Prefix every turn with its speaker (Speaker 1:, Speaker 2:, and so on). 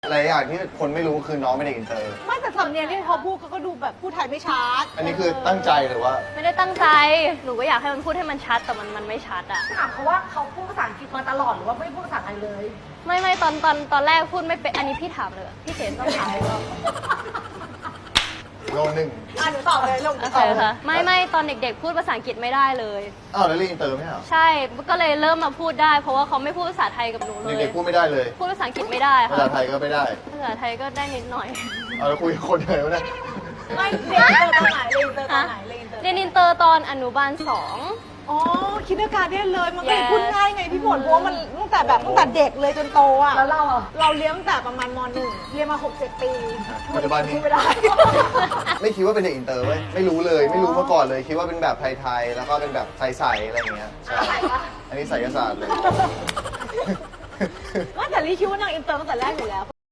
Speaker 1: อะไรอย่างที่คนไม่รู้คือน้องไม่ได้อินเตอร์
Speaker 2: ไม่แต่สำเนียงที่เขาพูดเขาก็ดูแบบพูดไทยไม่ชัด
Speaker 1: อันนี้คือตั้งใจหรือว่า
Speaker 3: ไม่ได้ตั้งใจ หนูก็อยากให้มันพูดให้มันชัดแต่มันไม่ชัดอะ
Speaker 2: ถามเขาว่าเขาพูดภาษาอังกฤษมาตลอดหรือว่าไม่พูดภาษาไทยเลย
Speaker 3: ไม่ตอนแรกพูดไม่เป็นอันนี้พี่ถามเลยพี่เขนต้องถามเลยว่า
Speaker 1: โลนึง
Speaker 2: หนูตอบเลยลง
Speaker 3: โอเคค่ะไม่ตอนเด็กๆ พูดภาษาอังกฤษไม่ได้เลย
Speaker 1: อ้าวแล้วเรียนอินเตอร์ไหมเหรอ
Speaker 3: ใช่ก็เลยเริ่มมาพูดได้ เพราะว่าเขาไม่พูดภาษาไทยกับหนูเลย
Speaker 1: เด็กๆพูดไม่ได้เลย
Speaker 3: พูดภาษาอังกฤษไม่ได้
Speaker 1: ภา
Speaker 3: ค่ะ
Speaker 1: ษาไทยก็ไม่ได้
Speaker 3: ภาษาไทยก็ได้นิดหน่อย
Speaker 1: เอาแล้วคุยกับคนไหนวะเนี่ย
Speaker 2: ไม่เรียนอินเตอร์ตอนไหนเรียนอินเตอร์ตอนไหนเรียนอินเตอร์
Speaker 3: เรียนอินเตอร์ตอนอนุบาล
Speaker 2: อ๋อคิดการได้เลยมันก็เลย
Speaker 3: Yes
Speaker 2: พูดง่ายไงพี่ฝนเพราะว่ามันตั้งแต่เด็กเลยจนโตอ่ะแล้วเราเลี้ยงตั้งแต่ประมาณม .1 เรียนมา 6-7 ปี
Speaker 1: ปัจจุบันนี้
Speaker 2: พูดไม่ได้
Speaker 1: ไม่คิดว่าเป็นเด็กอินเตอร์เว้ย ไม่รู้เลย ไม่รู้มาก่อนเลย คิดว่าเป็นแบบไทยๆ แล้วก็เป็นแบบใสๆ อะไรอย่างเงี้ยใช่อันนี้ไสยศาสตร์เลย
Speaker 2: ว่าแต่ลี่คิดว่านางอินเตอร์ตั้งแต่แรกอยู่แล้ว